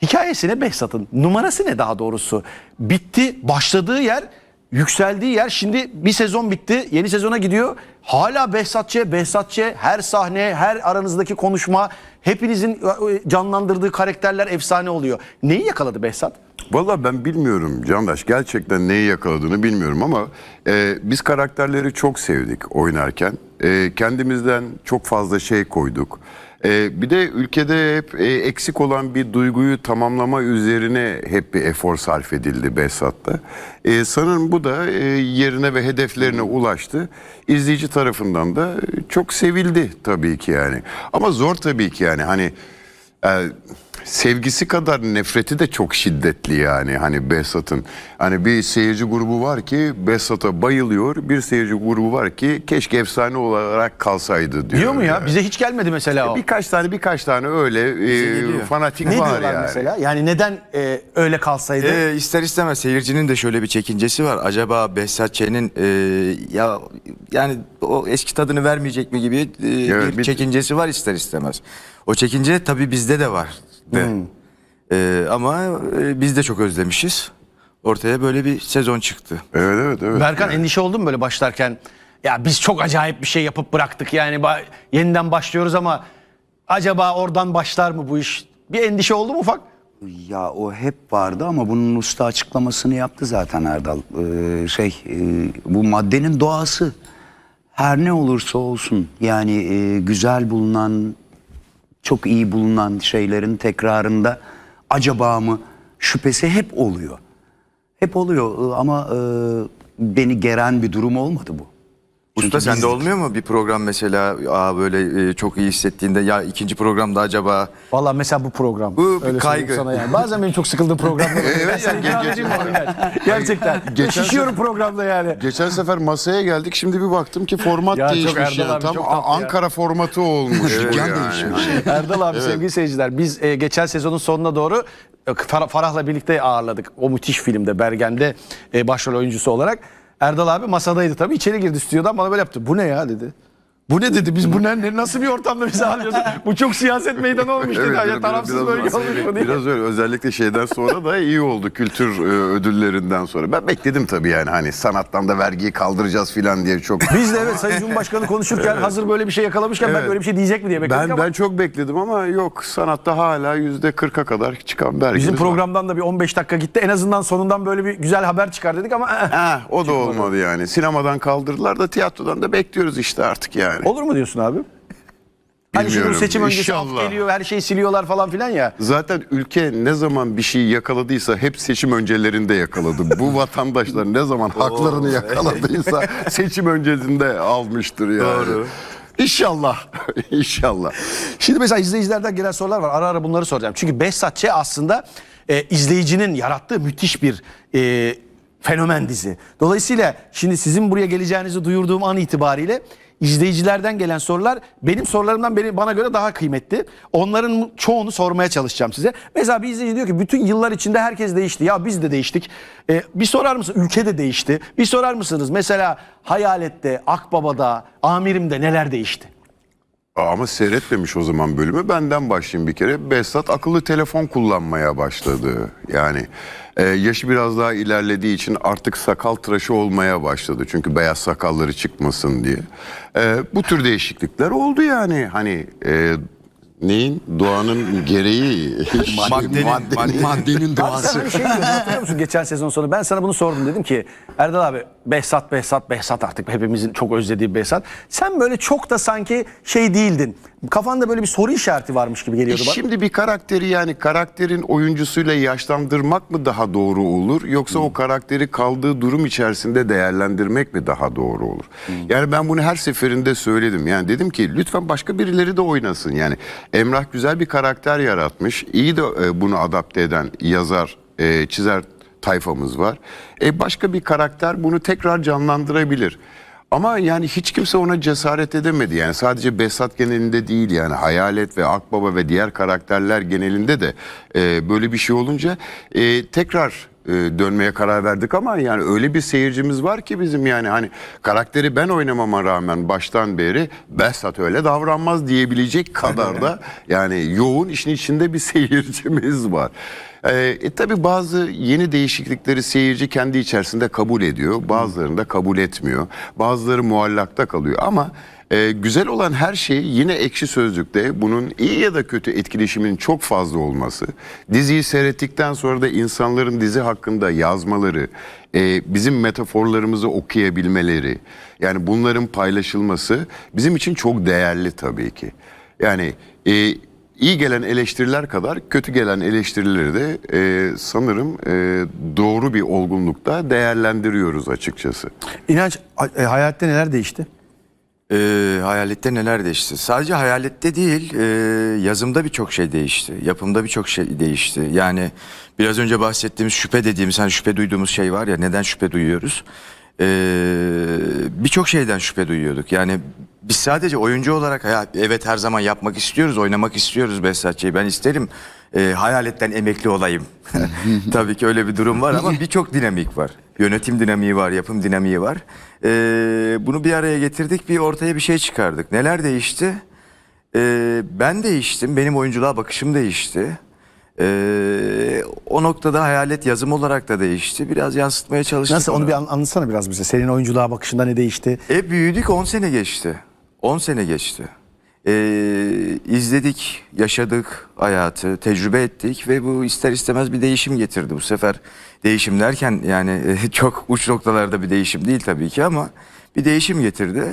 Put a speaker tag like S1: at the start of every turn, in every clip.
S1: Hikayesi ne Behzat'ın? Numarası ne daha doğrusu? Bitti, başladığı yer, yükseldiği yer. Şimdi bir sezon bitti, yeni sezona gidiyor. Hala Behzatçı, her sahne, her aranızdaki konuşma, hepinizin canlandırdığı karakterler efsane oluyor. Neyi yakaladı Behzat?
S2: Vallahi ben bilmiyorum Candaş, gerçekten neyi yakaladığını bilmiyorum ama biz karakterleri çok sevdik oynarken. Kendimizden çok fazla şey koyduk. Bir de ülkede hep eksik olan bir duyguyu tamamlama üzerine hep bir efor sarf edildi Behzat'ta. Sanırım bu da yerine ve hedeflerine ulaştı. İzleyici tarafından da çok sevildi tabii ki yani. Ama zor tabii ki yani hani... sevgisi kadar nefreti de çok şiddetli yani hani Behzat'ın. Hani bir seyirci grubu var ki Behzat'a bayılıyor. Bir seyirci grubu var ki keşke efsane olarak kalsaydı diyor.
S1: Diyor mu ya?
S2: Yani.
S1: Bize hiç gelmedi mesela o.
S2: Birkaç tane öyle fanatik
S1: Ne
S2: var
S1: diyorlar
S2: yani.
S1: mesela? Yani neden öyle kalsaydı?
S3: İster istemez seyircinin de şöyle bir çekincesi var. Acaba Behzat Ç'nin ya yani o eski tadını vermeyecek mi gibi
S2: Evet,
S3: bir çekincesi var ister istemez. O çekince tabii bizde de var. Ama biz de çok özlemişiz. Ortaya böyle bir sezon çıktı.
S2: Evet.
S1: Berkan endişe oldun mu böyle başlarken? Ya biz çok acayip bir şey yapıp bıraktık yani yeniden başlıyoruz ama acaba oradan başlar mı bu iş? Bir endişe oldu mu ufak?
S4: Ya o hep vardı ama bunun usta açıklamasını yaptı zaten Erdal. Bu maddenin doğası her ne olursa olsun yani güzel bulunan, çok iyi bulunan şeylerin tekrarında acaba mı şüphesi hep oluyor. Hep oluyor ama beni geren bir durum olmadı bu.
S3: Usta sende olmuyor mu bir program mesela böyle çok iyi hissettiğinde ya ikinci programda acaba?
S1: Vallahi mesela bu program.
S3: Bu bir
S1: Öyle
S3: kaygı.
S1: söyleyeyim sana yani. Bazen benim çok sıkıldığım programlar.
S2: Evet,
S1: Gerçekten. Şişiyorum programda yani.
S2: Geçen sefer masaya geldik, şimdi bir baktım ki format
S1: Ya çok
S2: değişmiş
S1: Erdal
S2: yani.
S1: abi,
S2: Tam
S1: çok tatlı ya.
S2: Ankara formatı olmuş.
S4: Dükkan
S2: yani.
S4: değişmiş.
S1: Erdal abi sevgili seyirciler biz geçen sezonun sonuna doğru Farah'la birlikte ağırladık. O müthiş filmde Bergen'de başrol oyuncusu olarak. Erdal abi masadaydı tabii, içeri girdi stüdyodan, bana böyle yaptı. Bu ne ya dedi. Bu ne dedi, biz bu ne nasıl bir ortamda bizi alıyoruz? Bu çok siyaset meydanı olmuş dedi. Ya tarafsız bölge olmuş mu diye.
S2: Biraz öyle, özellikle şeyden sonra da iyi oldu, kültür ödüllerinden sonra. Ben bekledim tabii yani hani sanattan da vergiyi kaldıracağız filan diye çok.
S1: Biz de evet Sayın Cumhurbaşkanı konuşurken hazır böyle bir şey yakalamışken ben böyle bir şey diyecek mi diye bekledik ama.
S2: Ben çok bekledim ama yok, sanatta hala %40'a kadar çıkan vergimiz
S1: Bizim
S2: var.
S1: programdan da bir 15 dakika gitti. En azından sonundan böyle bir güzel haber çıkar dedik ama.
S2: O da olmadı yani. Sinemadan kaldırdılar da tiyatrodan da bekliyoruz işte artık yani.
S1: Olur mu diyorsun abi? Hani şimdi bu
S2: Bilmiyorum.
S1: seçim öncesi af
S2: İnşallah.
S1: geliyor, her şeyi siliyorlar falan filan ya.
S2: Zaten ülke ne zaman bir şey yakaladıysa hep seçim öncelerinde yakaladı. Bu vatandaşlar ne zaman haklarını yakaladıysa seçim öncesinde almıştır yani.
S3: Doğru.
S2: İnşallah. İnşallah.
S1: Şimdi mesela izleyicilerden gelen sorular var. Ara ara bunları soracağım. Çünkü Behzat Ç. aslında izleyicinin yarattığı müthiş bir fenomen dizi. Dolayısıyla şimdi sizin buraya geleceğinizi duyurduğum an itibariyle izleyicilerden gelen sorular benim sorularımdan bana göre daha kıymetli. Onların çoğunu sormaya çalışacağım size. Mesela bir izleyici diyor ki bütün yıllar içinde herkes değişti. Ya biz de değiştik. Bir sorar mısın? Ülke de değişti. Bir sorar mısınız? Mesela Hayalet'te, Akbaba'da, Amirim'de neler değişti?
S2: Ama seyretmemiş o zaman bölümü. Benden başlayayım bir kere. Behzat akıllı telefon kullanmaya başladı. Yani yaşı biraz daha ilerlediği için artık sakal tıraşı olmaya başladı. Çünkü beyaz sakalları çıkmasın diye. Bu tür değişiklikler oldu yani. Hani neyin? Doğanın gereği.
S4: Maddenin
S1: Abi
S4: doğası.
S1: sen hani şey diyordun, hatırlıyor musun geçen sezon sonu? Ben sana bunu sordum, dedim ki Erdal abi Behzat artık hepimizin çok özlediği Behzat. Sen böyle çok da sanki şey değildin. Kafanda böyle bir soru işareti varmış gibi geliyordu bana.
S2: Şimdi bir karakteri, yani karakterin oyuncusuyla yaşlandırmak mı daha doğru olur, yoksa o karakteri kaldığı durum içerisinde değerlendirmek mi daha doğru olur? Yani ben bunu her seferinde söyledim. Yani dedim ki lütfen başka birileri de oynasın. Yani Emrah güzel bir karakter yaratmış. İyi de bunu adapte eden yazar, çizer tayfamız var. Başka bir karakter bunu tekrar canlandırabilir. Ama yani hiç kimse ona cesaret edemedi. Yani sadece Behzat genelinde değil, yani Hayalet ve Akbaba ve diğer karakterler genelinde de böyle bir şey olunca tekrar dönmeye karar verdik ama yani öyle bir seyircimiz var ki bizim, yani hani karakteri ben oynamama rağmen baştan beri Behzat öyle davranmaz diyebilecek kadar da yani yoğun işin içinde bir seyircimiz var. Tabii bazı yeni değişiklikleri seyirci kendi içerisinde kabul ediyor, bazılarını da kabul etmiyor, bazıları muallakta kalıyor ama güzel olan her şey yine Ekşi Sözlük'te bunun iyi ya da kötü etkileşiminin çok fazla olması, diziyi seyrettikten sonra da insanların dizi hakkında yazmaları, bizim metaforlarımızı okuyabilmeleri, yani bunların paylaşılması bizim için çok değerli tabii ki. Yani iyi gelen eleştiriler kadar kötü gelen eleştirileri de sanırım doğru bir olgunlukta değerlendiriyoruz açıkçası.
S1: İnanç, hayatta neler değişti?
S3: Hayalette neler değişti? Sadece hayalette değil, yazımda birçok şey değişti. Yapımda birçok şey değişti. Yani biraz önce bahsettiğimiz şüphe dediğimiz, hani şüphe duyduğumuz şey var ya, neden şüphe duyuyoruz? Birçok şeyden şüphe duyuyorduk. Yani biz sadece oyuncu olarak evet her zaman yapmak istiyoruz, oynamak istiyoruz Behzat Ç'yi. Ben isterim hayaletten emekli olayım. Tabii ki öyle bir durum var ama birçok dinamik var. Yönetim dinamiği var, yapım dinamiği var. Bunu bir araya getirdik, bir ortaya bir şey çıkardık. Neler değişti? Ben değiştim, benim oyunculuğa bakışım değişti. O noktada hayalet yazım olarak da değişti. Biraz yansıtmaya çalıştık.
S1: Nasıl, onu bir anlatsana biraz bize. Senin oyunculuğa bakışında ne değişti?
S3: Büyüdük, 10 sene geçti. 10 sene geçti. İzledik, yaşadık hayatı, tecrübe ettik ve bu ister istemez bir değişim getirdi. Bu sefer değişim derken yani çok uç noktalarda bir değişim değil tabii ki ama bir değişim getirdi.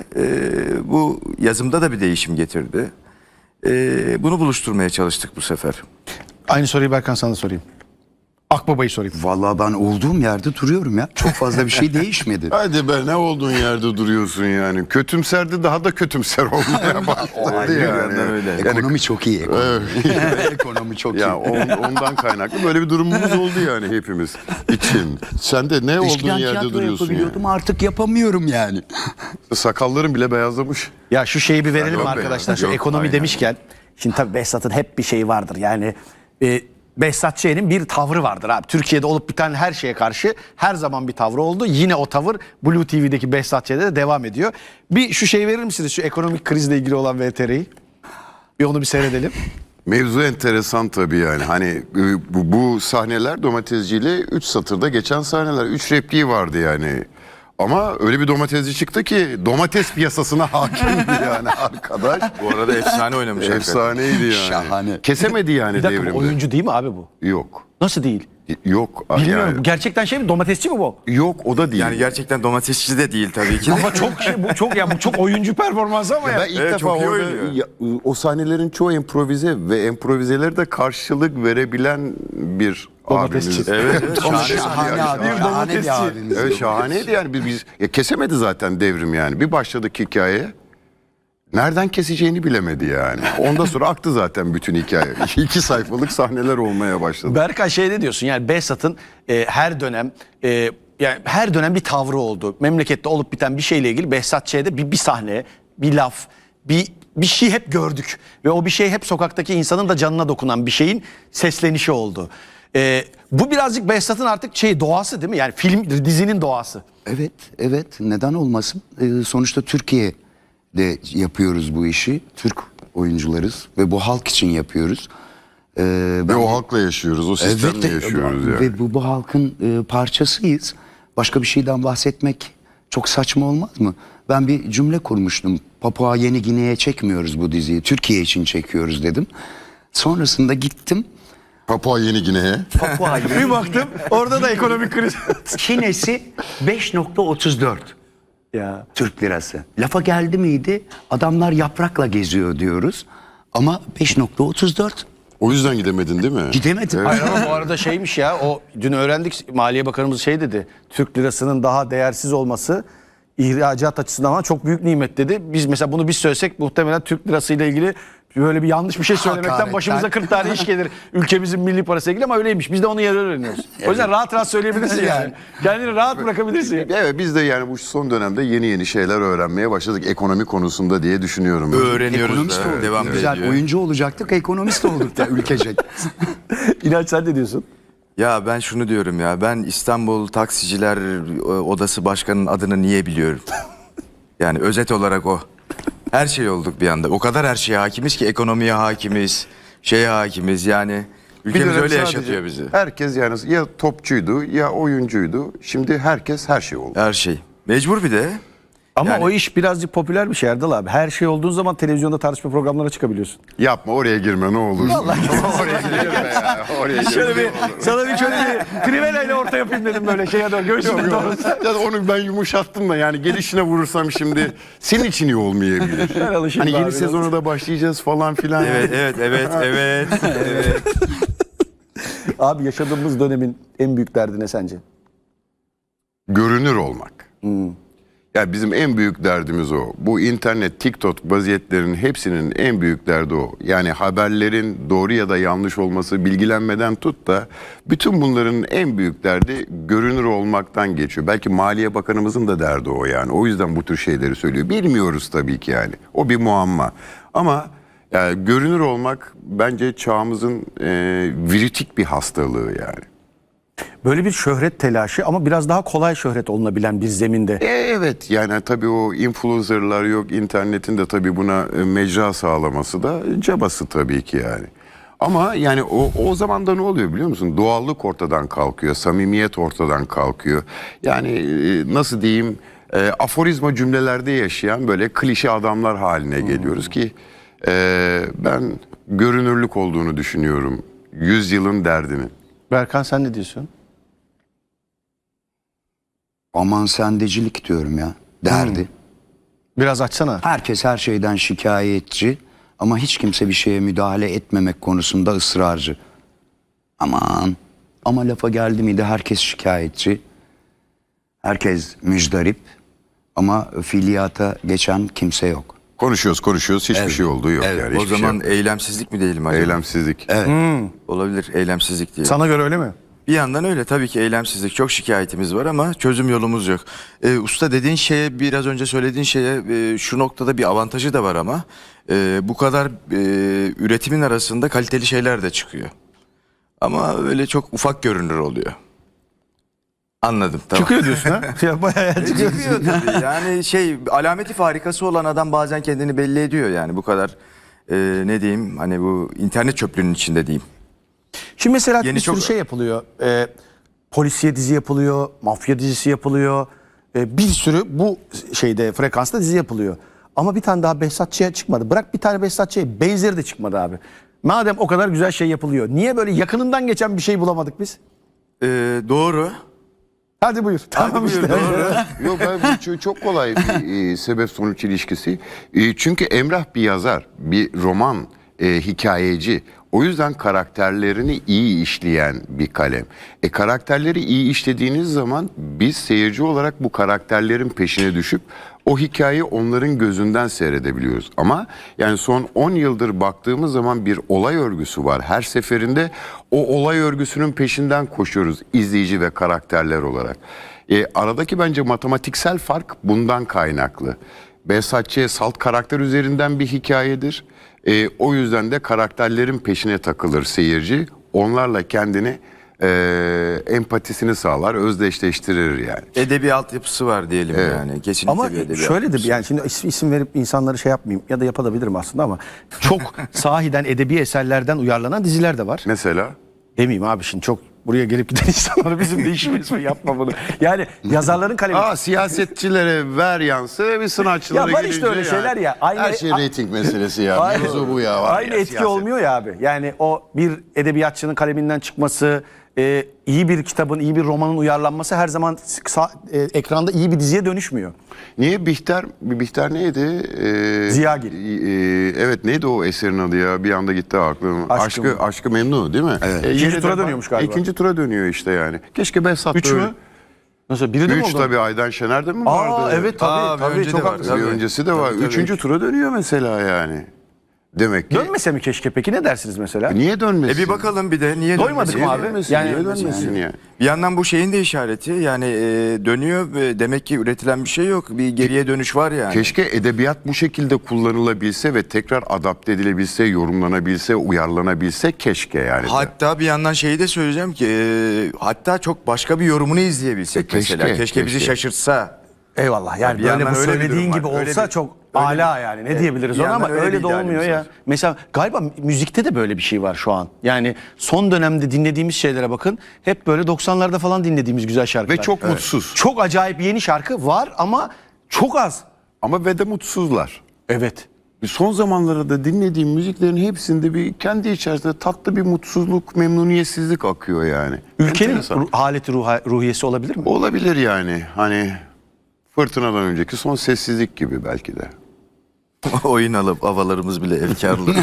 S3: Bu yazımda da bir değişim getirdi. Bunu buluşturmaya çalıştık bu sefer.
S1: Aynı soruyu Berkan sana sorayım. Akbaba'yı sorayım.
S4: Vallahi ben olduğum yerde duruyorum ya. Çok fazla bir şey değişmedi.
S2: Hadi be, ne olduğun yerde duruyorsun yani. Kötümserdi, daha da kötümser olmaya başladı yani.
S3: Öyle.
S4: Ekonomi çok iyi. Ekonomi çok iyi.
S2: Ya ondan kaynaklı böyle bir durumumuz oldu yani hepimiz için. Sen de ne olduğun
S4: Eskiden
S2: yerde
S4: tiyatro
S2: duruyorsun
S4: yapabiliyordum,
S2: yani.
S4: artık yapamıyorum yani.
S2: Sakalların bile beyazlamış.
S1: Ya şu şeyi bir verelim
S2: Yok
S1: mi
S2: be
S1: arkadaşlar?
S2: ya.
S1: Şu
S2: Yok,
S1: ekonomi
S2: aynen.
S1: demişken. Şimdi tabii Behzat'ın hep bir şeyi vardır. Yani Behzat Ç'nin bir tavrı vardır abi. Türkiye'de olup biten her şeye karşı her zaman bir tavrı oldu. Yine o tavır Blue TV'deki Behzat Ç'de de devam ediyor. Bir şu şeyi verir misiniz? Şu ekonomik krizle ilgili olan VTR'yi. Bir onu bir seyredelim.
S2: Mevzu enteresan tabii yani. Hani bu sahneler domatesciyle 3 satırda geçen sahneler. 3 repliği vardı yani. Ama öyle bir domatesci çıktı ki domates piyasasına hakimdi yani arkadaş.
S3: Bu arada efsane oynamış.
S2: Efsaneydi yani.
S4: Şahane.
S2: Kesemedi yani
S1: Bir dakika, bu
S2: devrimde.
S1: oyuncu değil mi abi bu?
S2: Yok.
S1: Nasıl değil?
S2: Yok.
S1: Bilmiyorum.
S2: Yani,
S1: Bu gerçekten şey mi? Domatesçi mi bu?
S2: yok, o da değil.
S3: Yani gerçekten domatesçi de değil tabii ki.
S1: Ama çok şey, bu çok ya bu çok oyuncu performansı ama ya.
S2: Ben ilk
S3: Evet,
S2: defa
S3: çok iyi
S2: orada
S3: oynuyor.
S2: o sahnelerin çoğu improvize ve improvizeleri de karşılık verebilen bir
S1: Domatesçi.
S2: abimiz.
S3: Evet, evet,
S4: Şahane abi. Şahane bir abimiz.
S2: Evet, şahaneydi yani. Biz kesemedi zaten devrim yani. Bir başladık hikayeye. Nereden keseceğini bilemedi yani. Ondan sonra aktı zaten bütün hikaye. 2 sayfalık sahneler olmaya başladı.
S1: Berkay şey ne diyorsun? Yani Behzat'ın her dönem yani her dönem bir tavrı oldu. Memlekette olup biten bir şeyle ilgili Behzat Ç'de bir sahne, bir laf, bir şey hep gördük. Ve o bir şey hep sokaktaki insanın da canına dokunan bir şeyin seslenişi oldu. Bu birazcık Behzat'ın artık doğası değil mi? Yani film, dizinin doğası.
S4: Evet, evet. Neden olmasın? Sonuçta Türkiye'de yapıyoruz bu işi. Türk oyuncularız ve bu halk için yapıyoruz.
S2: Ve o halkla yaşıyoruz, o sistemle yaşıyoruz yani.
S4: Ve bu halkın parçasıyız. Başka bir şeyden bahsetmek çok saçma olmaz mı? Ben bir cümle kurmuştum. Papua Yeni Gine'ye çekmiyoruz bu diziyi. Türkiye için çekiyoruz dedim. Sonrasında gittim.
S2: Papua Yeni Gine'ye.
S4: Papua Yeni
S1: Bir baktım orada da ekonomik kriz.
S4: Çinesi 5.34
S1: Ya.
S4: Türk lirası. Lafa geldi miydi? Adamlar yaprakla geziyor diyoruz. Ama 5.34
S2: O yüzden gidemedin değil mi?
S4: gidemedim.
S1: Hayır ama bu arada şeymiş ya, o dün öğrendik, Maliye Bakanımız şey dedi. Türk lirasının daha değersiz olması ihracat açısından ama çok büyük nimet dedi. Biz mesela bunu biz söylesek muhtemelen Türk lirasıyla ilgili böyle bir yanlış bir şey söylemekten
S4: Hakaretten.
S1: başımıza 40 tane iş gelir. Ülkemizin milli parasıyla ilgili ama öyleymiş. Biz de onu yarı öğreniyoruz. O yüzden rahat rahat söyleyebilirsin yani. Kendini rahat bırakabilirsin. Yani.
S2: Evet, biz de yani bu son dönemde yeni şeyler öğrenmeye başladık ekonomi konusunda diye düşünüyorum.
S3: Öğreniyoruz
S4: Ekonomist
S3: da
S4: olduk.
S3: devam
S4: Güzel
S3: ediyor.
S4: oyuncu olacaktık, ekonomist olduk da ülkecek.
S1: İnanç sen ne diyorsun?
S3: Ya ben şunu diyorum ya, ben İstanbul Taksiciler Odası Başkanı'nın adını niye biliyorum? Yani özet olarak o. Her şey olduk bir anda. O kadar her şeye hakimiz ki, ekonomiye hakimiz, şeye hakimiz yani. Ülkemiz
S2: dönem
S3: öyle
S2: sadece
S3: yaşatıyor bizi.
S2: Herkes yani ya topçuydu ya oyuncuydu. Şimdi herkes her şey oldu.
S3: Her şey. Mecbur bir de.
S1: Ama
S3: Yani-
S1: o iş birazcık popüler bir şey Erdal abi. Her şey olduğun zaman televizyonda tartışma programlarına çıkabiliyorsun.
S2: Yapma, oraya girme ne olur. Oraya girme ya. Oraya girme.
S1: Sana bir şöyle bir krivelayla orta yapayım dedim böyle şeye doğru. Göğsüme doğru.
S2: Ya onu ben yumuşattım da yani gelişine vurursam şimdi senin için iyi olmayabilir.
S1: Ben alışayım
S2: Hani yeni
S1: abi.
S2: sezona da başlayacağız falan filan.
S3: Evet.
S1: Abi yaşadığımız dönemin en büyük derdi ne sence?
S2: Görünür olmak. Ya bizim en büyük derdimiz o. Bu internet, TikTok vaziyetlerinin hepsinin en büyük derdi o. Yani haberlerin doğru ya da yanlış olması, bilgilenmeden tut da bütün bunların en büyük derdi görünür olmaktan geçiyor. Belki Maliye Bakanımızın da derdi o yani. O yüzden bu tür şeyleri söylüyor. Bilmiyoruz tabii ki yani. O bir muamma. Ama yani görünür olmak bence çağımızın viritik bir hastalığı yani.
S1: Böyle bir şöhret telaşı ama biraz daha kolay şöhret olunabilen bir zeminde.
S2: Evet yani tabii o influencerlar yok, internetin de tabii buna mecra sağlaması da cabası tabii ki yani. Ama yani o zaman da ne oluyor biliyor musun? Doğallık ortadan kalkıyor, samimiyet ortadan kalkıyor. Yani nasıl diyeyim, aforizma cümlelerde yaşayan böyle klişe adamlar haline geliyoruz ki ben görünürlük olduğunu düşünüyorum yüzyılın derdinin.
S1: Berkan sen ne diyorsun?
S4: Aman sendecilik diyorum ya. Derdi.
S1: Biraz açsana.
S4: Herkes her şeyden şikayetçi ama hiç kimse bir şeye müdahale etmemek konusunda ısrarcı. Aman ama lafa geldi miydi herkes şikayetçi. Herkes müjdarip ama fiiliyata geçen kimse yok.
S2: Konuşuyoruz hiçbir şey olduğu yok yani.
S3: O
S2: hiçbir
S3: zaman
S2: şey yok.
S3: eylemsizlik mi diyelim acaba?
S2: Eylemsizlik.
S3: Olabilir, eylemsizlik diyelim.
S1: Sana göre öyle mi?
S3: Bir yandan öyle tabii ki, eylemsizlik, çok şikayetimiz var ama çözüm yolumuz yok. Usta dediğin şeye, biraz önce söylediğin şeye şu noktada bir avantajı da var ama bu kadar üretimin arasında kaliteli şeyler de çıkıyor. Ama öyle çok ufak görünür oluyor. Anladım, tamam.
S1: Çıkıyor diyorsun ha? Ya bayağı çıkıyor.
S3: Çıkıyor tabii. Yani alameti farikası olan adam bazen kendini belli ediyor yani, bu kadar ne diyeyim, hani bu internet çöplüğünün içinde diyeyim.
S1: Şimdi mesela
S3: Yeni
S1: bir sürü
S3: çok-
S1: şey yapılıyor. Polisiye dizi yapılıyor, mafya dizisi yapılıyor. Bir sürü bu şeyde frekansta dizi yapılıyor. Ama bir tane daha Behzat Ç'ye çıkmadı. Bırak bir tane Behzat Ç'ye, benzeri de çıkmadı abi. Madem o kadar güzel şey yapılıyor, niye böyle yakınından geçen bir şey bulamadık biz?
S3: Doğru.
S1: Hadi buyur. Tamam
S3: buyur,
S1: işte.
S3: doğru.
S2: Yok ben çok kolay bir sebep sonuç ilişkisi. Çünkü Emrah bir yazar, bir roman hikayeci. O yüzden karakterlerini iyi işleyen bir kalem. Karakterleri iyi işlediğiniz zaman biz seyirci olarak bu karakterlerin peşine düşüp o hikayeyi onların gözünden seyredebiliyoruz. Ama yani son 10 yıldır baktığımız zaman bir olay örgüsü var. Her seferinde o olay örgüsünün peşinden koşuyoruz izleyici ve karakterler olarak. Aradaki bence matematiksel fark bundan kaynaklı. Behzat Ç. salt karakter üzerinden bir hikayedir. O yüzden de karakterlerin peşine takılır seyirci. Onlarla kendini empatisini sağlar, özdeşleştirir yani.
S3: Edebi altyapısı var diyelim yani. Kesinlikle
S1: Ama
S3: bir edebi
S1: şöyle de
S3: altyapısı.
S1: yani şimdi isim verip insanları şey yapmayayım ya da yapabilirim aslında ama çok sahiden edebi eserlerden uyarlanan diziler de var.
S2: Mesela
S1: Demeyeyim abi şimdi çok buraya gelip giden insanlara bizim de işimiz mi, yapma bunu. Yani yazarların kalemi.
S2: siyasetçilere ver yansı bir sanatçılara
S1: Ya var işte
S2: gelince
S1: öyle şeyler ya.
S2: Her şey reyting meselesi ya.
S1: Aynı-
S2: Mevzu bu ya. Var
S1: Aynı
S2: ya,
S1: etki
S2: siyaset.
S1: olmuyor ya abi. Yani o bir edebiyatçının kaleminden çıkması, iyi bir kitabın, iyi bir romanın uyarlanması her zaman ekranda iyi bir diziye dönüşmüyor.
S2: Niye Bihter neydi?
S1: Ziyagil.
S2: Evet neydi o eserin adı ya? Bir anda gitti aklım. Aşkı Memnu değil mi? Evet.
S1: İkinci tura dönüyormuş galiba.
S2: İkinci tura dönüyor işte yani. Keşke Behzat
S1: Üç
S2: böyle.
S1: mü? Nasıl? Biri de mi
S2: 3
S1: oldu?
S2: tabii Aydan Şener'de mi vardı?
S1: Evet tabii.
S3: Aa, bir
S1: tabii
S3: önce
S1: çok
S3: de var.
S1: haklısın.
S2: Bir
S3: Tabii.
S2: öncesi de var.
S3: Tabii.
S2: Üçüncü tura dönüyor mesela yani. Demek ki
S1: Dönmese mi keşke peki, ne dersiniz mesela?
S2: niye dönmesin?
S3: Bir bakalım bir de niye
S1: Doymadık
S3: dönmesin?
S1: mı abi?
S2: Dönmesin,
S1: Yani-
S2: niye dönmesin ya?
S3: Bir yandan bu şeyin de işareti yani dönüyor ve demek ki üretilen bir şey yok. Bir geriye dönüş var yani.
S2: Keşke edebiyat bu şekilde kullanılabilse ve tekrar adapte edilebilse, yorumlanabilse, uyarlanabilse keşke yani.
S3: Hatta bir yandan şeyi de söyleyeceğim ki hatta çok başka bir yorumunu izleyebilsek
S2: Keşke,
S3: mesela. Keşke bizi
S2: keşke.
S3: şaşırtsa.
S1: Eyvallah, yani
S3: Bir
S1: böyle
S3: yandan
S1: bu
S3: öyle bir
S1: söylediğin
S3: durum
S1: gibi
S3: var. Öyle
S1: olsa
S3: bir-
S1: çok
S3: öyle
S1: ala
S3: bir-
S1: yani, ne diyebiliriz
S3: bir
S1: ona, ama
S3: yandan öyle
S1: öyle
S3: bir
S1: de olmuyor
S3: idealimiz
S1: ya.
S3: var.
S1: Mesela galiba müzikte de böyle bir şey var şu an. Yani son dönemde dinlediğimiz şeylere bakın, hep böyle 90'larda falan dinlediğimiz güzel şarkılar.
S2: Ve çok mutsuz.
S1: Çok acayip yeni şarkı var ama çok az.
S2: Ama ve de mutsuzlar.
S1: Evet.
S2: Son zamanlarda dinlediğim müziklerin hepsinde bir kendi içerisinde tatlı bir mutsuzluk, memnuniyetsizlik akıyor yani.
S1: Ülkenin
S2: Enteresan.
S1: haleti ruhiyesi olabilir mi?
S2: Olabilir yani. Hani fırtınadan önceki son sessizlik gibi belki de.
S3: Oyun alıp havalarımız bile efkarlı.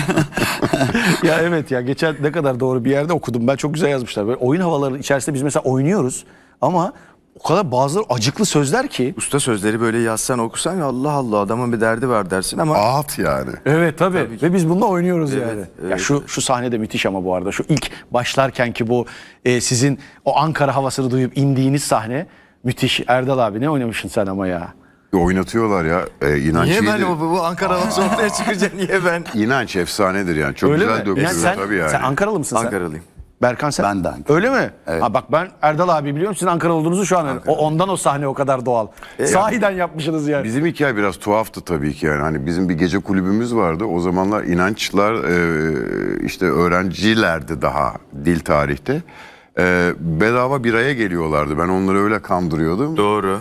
S1: Ya evet ya, geçen ne kadar doğru bir yerde okudum ben, çok güzel yazmışlar. Böyle oyun havaları içerisinde biz mesela oynuyoruz ama o kadar bazıları acıklı sözler ki.
S3: Usta sözleri böyle yazsan okusan ya Allah Allah adamın bir derdi var dersin ama
S2: Ağıt yani.
S1: Evet tabii. Ve biz bununla oynuyoruz yani.
S3: evet.
S1: Ya şu sahne de müthiş ama bu arada. Şu ilk başlarken ki bu sizin o Ankara havasını duyup indiğiniz sahne müthiş. Erdal abi ne oynamışsın sen ama ya.
S2: Oynatıyorlar ya. İnanç
S3: niye ben
S2: iyidir.
S3: bu Ankara havası ortaya çıkınca niye ben?
S2: İnanç efsanedir yani. Çok
S1: Öyle
S2: güzel
S1: mi?
S2: dökülüyor
S1: Yani
S2: tabii yani.
S1: sen Ankaralı mısın sen?
S3: Ankaralıyım.
S1: Berkan sen?
S4: Ben de Ankara.
S1: Öyle mi? Ha bak, ben Erdal abi biliyorum, sizin Ankara olduğunuzu şu an. Ondan o sahne o kadar doğal. Sahiden yapmışsınız yani.
S2: Bizim hikaye biraz tuhaftı tabii ki yani. Hani bizim bir gece kulübümüz vardı. O zamanlar inançlar işte öğrencilerdi daha dil tarihte. Bedava biraya geliyorlardı. Ben onları öyle kandırıyordum.
S3: Doğru.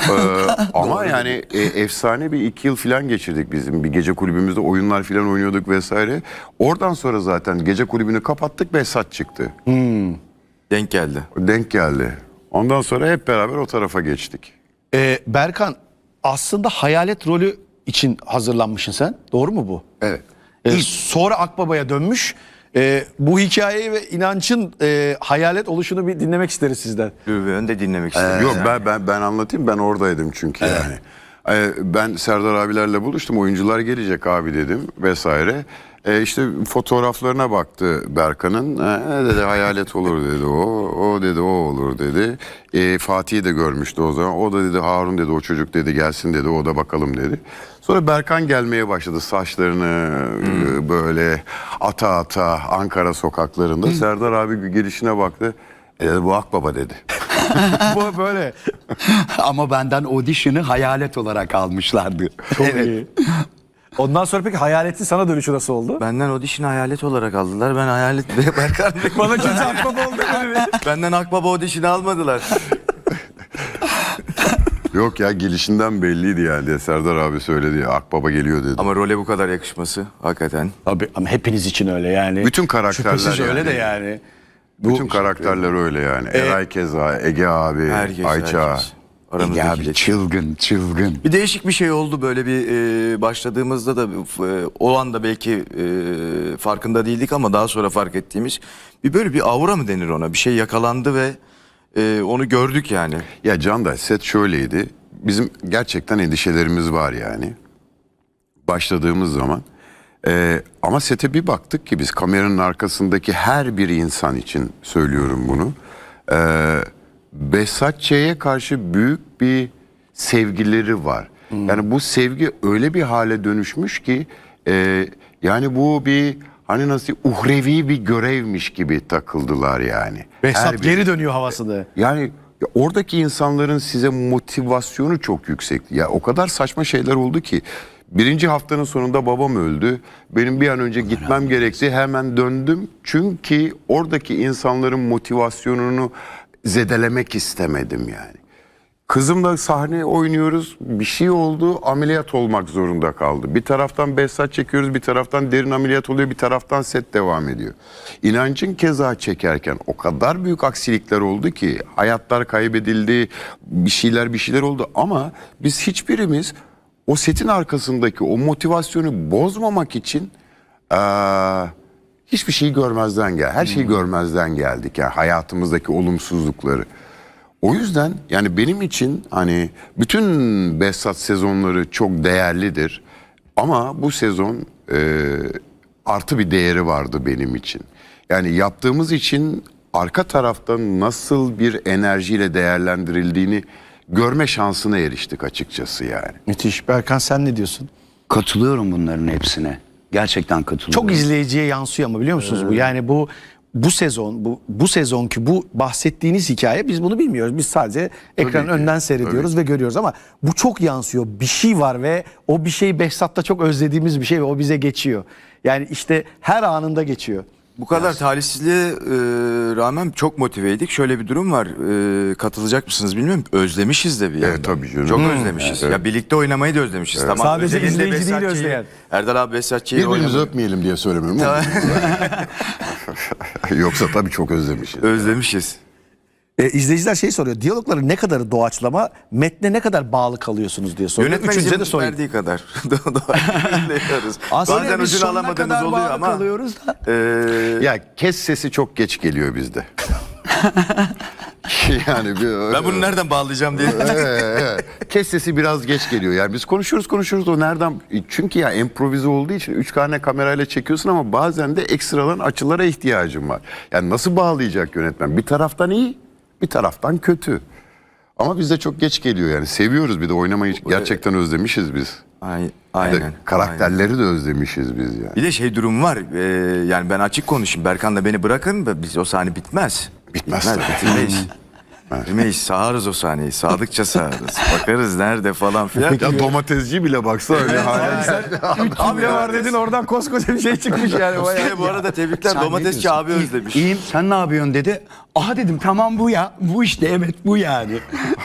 S2: Ama yani efsane bir 2 yıl falan geçirdik bizim. Bir gece kulübümüzde oyunlar falan oynuyorduk vesaire. Oradan sonra zaten gece kulübünü kapattık, Behzat çıktı.
S3: Denk geldi.
S2: Denk geldi. Ondan sonra hep beraber o tarafa geçtik.
S1: Berkan, aslında hayalet rolü için hazırlanmışsın sen. Doğru mu bu?
S2: Evet.
S1: Sonra Akbaba'ya dönmüş. Bu hikayeyi ve inancın hayalet oluşunu bir dinlemek isteriz sizden.
S3: Ben de dinlemek istedim.
S2: Yok ben anlatayım, ben oradaydım çünkü yani. Ben Serdar abilerle buluştum, oyuncular gelecek abi dedim vesaire. İşte fotoğraflarına baktı Berkan'ın. Dedi hayalet olur dedi o dedi o olur dedi. Fatih'i de görmüştü o zaman. O da dedi Harun dedi, o çocuk dedi gelsin dedi, o da bakalım dedi. Sonra Berkan gelmeye başladı, saçlarını böyle ata ata Ankara sokaklarında. Serdar abi gelişine baktı. Dedi bu Akbaba dedi.
S1: Bu böyle.
S4: Ama benden audition'ı hayalet olarak almışlardı.
S1: Çok iyi. Ondan sonra peki hayaletin sana dönüşü nasıl oldu?
S3: Benden audition'ı hayalet olarak aldılar. Ben hayalet ve Berkan.
S1: Bana kimse Akbaba oldu dedi.
S3: Benden Akbaba audition'ı almadılar.
S2: Yok ya, gelişinden belliydi yani. Serdar abi söyledi, Akbaba geliyor dedi.
S3: Ama role bu kadar yakışması hakikaten.
S1: Abi ama hepiniz için öyle yani.
S2: Bütün karakterler
S1: Şüphesiz öyle
S2: yani.
S1: de yani.
S2: Bütün karakterler öyle yani. Eray keza, Ege abi, Ayça.
S3: herkes. Aramızda
S4: Ya abi çılgın.
S3: bir değişik bir şey oldu böyle bir başladığımızda da o anda belki farkında değildik ama daha sonra fark ettiğimiz bir böyle bir aura mı denir ona, bir şey yakalandı ve onu gördük yani.
S2: Ya Canday, set şöyleydi. Bizim gerçekten endişelerimiz var yani. Başladığımız zaman. Ama sete bir baktık ki biz, kameranın arkasındaki her bir insan için söylüyorum bunu. Behzat Ç'ye karşı büyük bir sevgileri var. Yani bu sevgi öyle bir hale dönüşmüş ki yani bu bir hani nasıl uhrevi bir görevmiş gibi takıldılar yani. Her
S1: Behzat
S2: bir-
S1: geri dönüyor havasını.
S2: Yani ya oradaki insanların size motivasyonu çok yüksekti. Ya o kadar saçma şeyler oldu ki. Birinci haftanın sonunda babam öldü. Benim bir an önce gitmem gerekti. Hemen döndüm. Çünkü oradaki insanların motivasyonunu zedelemek istemedim yani. Kızımla sahne oynuyoruz. Bir şey oldu. Ameliyat olmak zorunda kaldı. Bir taraftan Behzat çekiyoruz. Bir taraftan derin ameliyat oluyor. Bir taraftan set devam ediyor. İnancın keza çekerken o kadar büyük aksilikler oldu ki. Hayatlar kaybedildi. Bir şeyler oldu. Ama biz hiçbirimiz o setin arkasındaki o motivasyonu bozmamak için hiçbir şeyi görmezden gel. Her şeyi görmezden geldik. Yani hayatımızdaki olumsuzlukları. O yüzden yani benim için hani bütün Behzat sezonları çok değerlidir. Ama bu sezon artı bir değeri vardı benim için. Yani yaptığımız için arka taraftan nasıl bir enerjiyle değerlendirildiğini görme şansına eriştik açıkçası yani.
S1: Müthiş. Berkan sen ne diyorsun?
S4: Katılıyorum bunların hepsine. Gerçekten katılıyorum.
S1: Çok izleyiciye yansıyor ama biliyor musunuz bu? Yani bu sezon bu sezonki bu bahsettiğiniz hikaye biz bunu bilmiyoruz. Biz sadece ekranın
S2: ki,
S1: önden seyrediyoruz ve görüyoruz ama bu çok yansıyor. Bir şey var ve o bir şey Behzat'ta çok özlediğimiz bir şey ve o bize geçiyor. Yani işte her anında geçiyor.
S3: Bu kadar talihsizliğe rağmen çok motiveydik. Şöyle bir durum var. Katılacak mısınız bilmiyorum. Özlemişiz de bir yandan.
S2: tabii canım.
S3: Çok özlemişiz. Ya birlikte oynamayı da özlemişiz. Tamam.
S1: Sadece
S3: özelinde
S1: izleyici değil
S3: Behzatçı'yı-
S1: özleyen.
S3: Erdal abi Behzatçı'yı
S2: Birbirimizi
S3: oynamayı-
S2: öpmeyelim diye söylemiyorum ama. Yoksa tabii çok özlemişiz.
S3: özlemişiz.
S1: İzleyiciler şey soruyor. Diyalogları ne kadar doğaçlama, metne ne kadar bağlı kalıyorsunuz diye soruyor.
S3: Yönetmen
S1: Üçünüze de
S3: izin
S1: sorayım.
S3: verdiği kadar. Dinliyoruz.
S1: Aslında
S3: Bazen
S1: biz
S3: ucunu
S1: sonuna
S3: alamadığımız
S1: kadar
S3: oluyor
S1: bağlı
S3: ama.
S1: kalıyoruz da.
S2: Ya kes sesi çok geç geliyor bizde. Yani
S3: Ben bunu nereden bağlayacağım diye.
S2: kes sesi biraz geç geliyor. Yani biz konuşuyoruz o nereden? Çünkü ya improvize olduğu için 3 tane kamerayla çekiyorsun ama bazen de ekstradan açılara ihtiyacın var. Yani nasıl bağlayacak yönetmen? Bir taraftan iyi, bir taraftan kötü. Ama bizde çok geç geliyor yani. Seviyoruz bir de oynamayı gerçekten özlemişiz biz. Bir de
S3: Aynen.
S2: karakterleri de özlemişiz biz yani.
S3: Bir de şey durum var. Yani ben açık konuşayım. Berkan da beni bırakın da biz o sahne bitmez.
S2: Bitmez tabii.
S3: Bitirmeyiz. Bitirmeyiz. Sağarız o sahneyi. Sağdıkça sağarız. Bakarız nerede falan filan.
S2: Ya domatesci bile baksa öyle hale.
S1: Hamle var dedin oradan koskoca bir şey çıkmış yani.
S3: Bu arada tebrikler.
S4: Sen ne
S3: Domatesçi
S4: diyorsun?
S3: abi özlemiş.
S4: İyiyim, sen ne yapıyorsun dedi. Aha dedim, tamam bu ya. Bu işte, evet bu yani.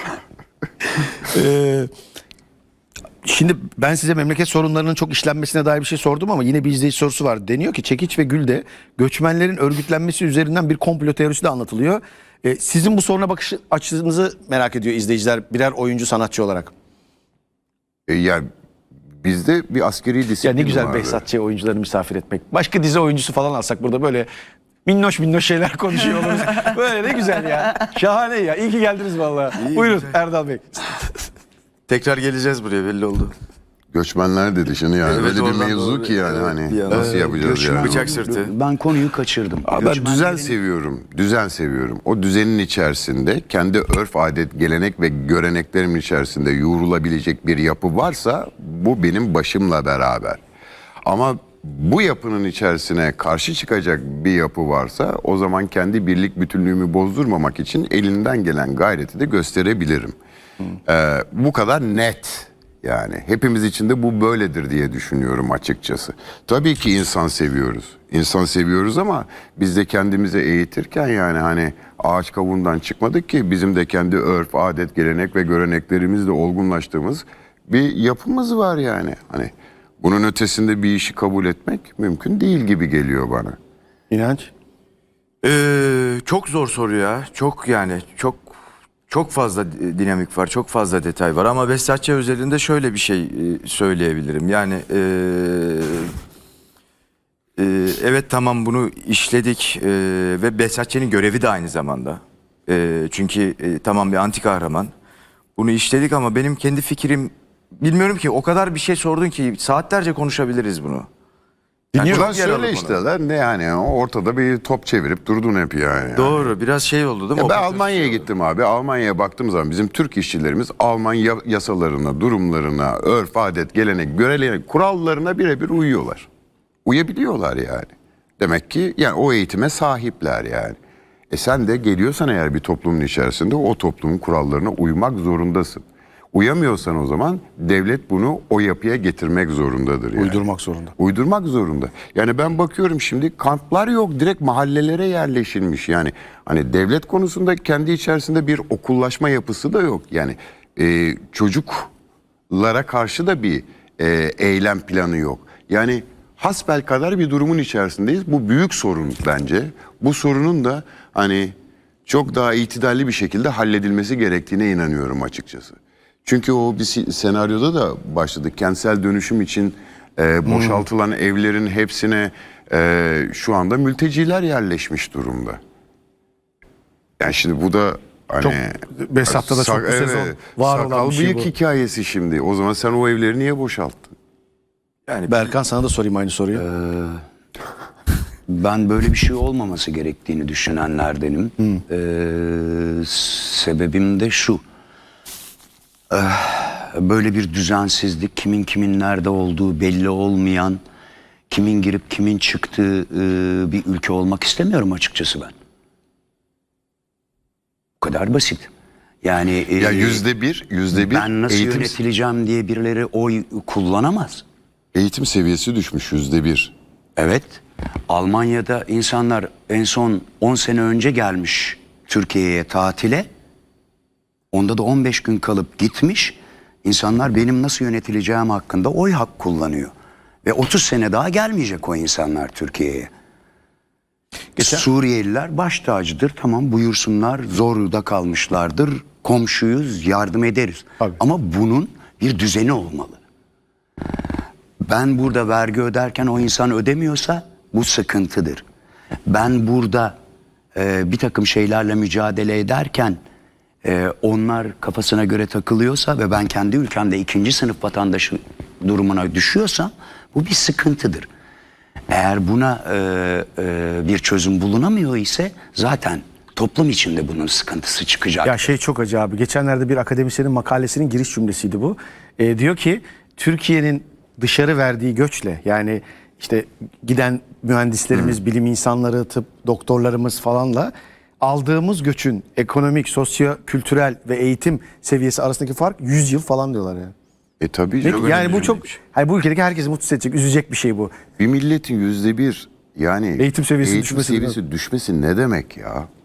S1: Şimdi ben size memleket sorunlarının çok işlenmesine dair bir şey sordum ama yine bir izleyici sorusu var. Deniyor ki Çekiç ve Gül'de göçmenlerin örgütlenmesi üzerinden bir komplo teorisi de anlatılıyor. Sizin bu soruna bakış açınızı merak ediyor izleyiciler birer oyuncu sanatçı olarak.
S2: Yani bizde bir askeri disiplin
S1: Ya ne güzel
S2: vardı.
S1: Behzatçı'ya oyuncuları misafir etmek. Başka dizi oyuncusu falan alsak burada böyle minnoş şeyler konuşuyor oluruz. Böyle ne güzel ya. Şahane ya. İyi ki geldiniz vallahi.
S3: İyi,
S1: Buyurun
S3: güzel.
S1: Erdal Bey.
S3: Tekrar geleceğiz buraya belli oldu.
S2: Göçmenler dedi şimdi yani.
S3: Evet,
S2: Öyle bir
S3: oradan
S2: mevzu
S3: doğru.
S2: ki yani
S3: Evet,
S2: hani
S3: bir yana.
S2: nasıl yapacağız yani.
S3: Bıçak sırtı.
S4: Ben konuyu kaçırdım.
S2: Abi ben düzen
S4: Göçmenlerin-
S2: seviyorum. Düzen seviyorum. O düzenin içerisinde kendi örf, adet, gelenek ve göreneklerimin içerisinde yoğrulabilecek bir yapı varsa bu benim başımla beraber. Ama bu yapının içerisine karşı çıkacak bir yapı varsa o zaman kendi birlik bütünlüğümü bozdurmamak için elinden gelen gayreti de gösterebilirim. Bu kadar net. Yani hepimiz için de bu böyledir diye düşünüyorum açıkçası. Tabii ki insan seviyoruz. İnsan seviyoruz ama biz de kendimizi eğitirken yani hani ağaç kavuğundan çıkmadık ki bizim de kendi örf, adet, gelenek ve göreneklerimizle olgunlaştığımız bir yapımız var yani. Hani bunun ötesinde bir işi kabul etmek mümkün değil gibi geliyor bana.
S1: İnanç.
S3: Çok zor soru ya. Çok yani çok fazla dinamik var, çok fazla detay var ama Behzatçı özelinde şöyle bir şey söyleyebilirim. Yani evet tamam bunu işledik ve Behzatçı'nın görevi de aynı zamanda. Çünkü tamam bir anti kahraman. Bunu işledik ama benim kendi fikrim bilmiyorum ki o kadar bir şey sordun ki saatlerce konuşabiliriz bunu. Yani
S2: Ulan
S3: çok yaralı
S2: söyle
S3: konu.
S2: işte lan ne yani ortada bir top çevirip durdun hep yani.
S3: Doğru biraz şey oldu değil mi?
S2: Ya ben
S3: Operatör-
S2: Almanya'ya gittim abi. Almanya'ya baktığım zaman bizim Türk işçilerimiz Alman yasalarına, durumlarına, örf, adet, gelenek, görenek, kurallarına birebir uyuyorlar. Uyabiliyorlar yani. Demek ki yani o eğitime sahipler yani. Sen de geliyorsan eğer bir toplumun içerisinde o toplumun kurallarına uymak zorundasın. Uyamıyorsan o zaman devlet bunu o yapıya getirmek zorundadır yani.
S1: Uydurmak zorunda.
S2: Uydurmak zorunda. Yani ben bakıyorum şimdi kamplar yok, direkt mahallelere yerleşilmiş. Yani hani devlet konusunda kendi içerisinde bir okullaşma yapısı da yok. Yani çocuklara karşı da bir eylem planı yok. Yani hasbelkader bir durumun içerisindeyiz. Bu büyük sorun bence. Bu sorunun da hani çok daha itidalli bir şekilde halledilmesi gerektiğine inanıyorum açıkçası. Çünkü o bir senaryoda da başladık. Kentsel dönüşüm için boşaltılan evlerin hepsine şu anda mülteciler yerleşmiş durumda. Yani şimdi bu da hani
S1: Çok Behzat'ta da çok bu sezon var olan
S2: sakal
S1: bir şey
S2: bıyık
S1: bu.
S2: hikayesi şimdi. O zaman sen o evleri niye boşalttın?
S3: Yani
S1: Berkan sana da sorayım aynı soruyu.
S4: Ben böyle bir şey olmaması gerektiğini düşünenlerdenim. Sebebim de şu. Böyle bir düzensizlik, kimin kimin nerede olduğu belli olmayan, kimin girip kimin çıktığı bir ülke olmak istemiyorum açıkçası ben. Bu kadar basit. Yani
S2: Ya yüzde bir
S4: ben nasıl
S2: eğitim,
S4: yönetileceğim diye birileri oy kullanamaz.
S2: eğitim seviyesi düşmüş %1.
S4: Evet. Almanya'da insanlar en son 10 sene önce gelmiş Türkiye'ye tatile. Onda da 15 gün kalıp gitmiş. İnsanlar benim nasıl yönetileceğim hakkında oy hak kullanıyor. Ve 30 sene daha gelmeyecek o insanlar Türkiye'ye. Suriyeliler baş tacıdır. Tamam, buyursunlar, zorda kalmışlardır. Komşuyuz, yardım ederiz.
S1: Tabii.
S4: Ama bunun bir düzeni olmalı. Ben burada vergi öderken o insan ödemiyorsa bu sıkıntıdır. Ben burada bir takım şeylerle mücadele ederken onlar kafasına göre takılıyorsa ve ben kendi ülkemde ikinci sınıf vatandaşı durumuna düşüyorsam bu bir sıkıntıdır. Eğer buna bir çözüm bulunamıyor ise zaten toplum içinde bunun sıkıntısı çıkacak.
S1: Ya şey çok acı abi. Geçenlerde bir akademisyenin makalesinin giriş cümlesiydi bu. Diyor ki Türkiye'nin dışarı verdiği göçle, yani işte giden mühendislerimiz, bilim insanları, tıp doktorlarımız falanla aldığımız göçün ekonomik, sosyo-kültürel ve eğitim seviyesi arasındaki fark 100 yıl falan diyorlar yani.
S2: Tabii
S1: Ve
S2: canım.
S1: yani bu çok, hayır, bu ülkedeki herkesi mutsuz edecek, üzecek bir şey bu.
S2: Bir milletin %1 yani
S1: Eğitim seviyesi düşmesi
S2: düşmesi ne demek ya?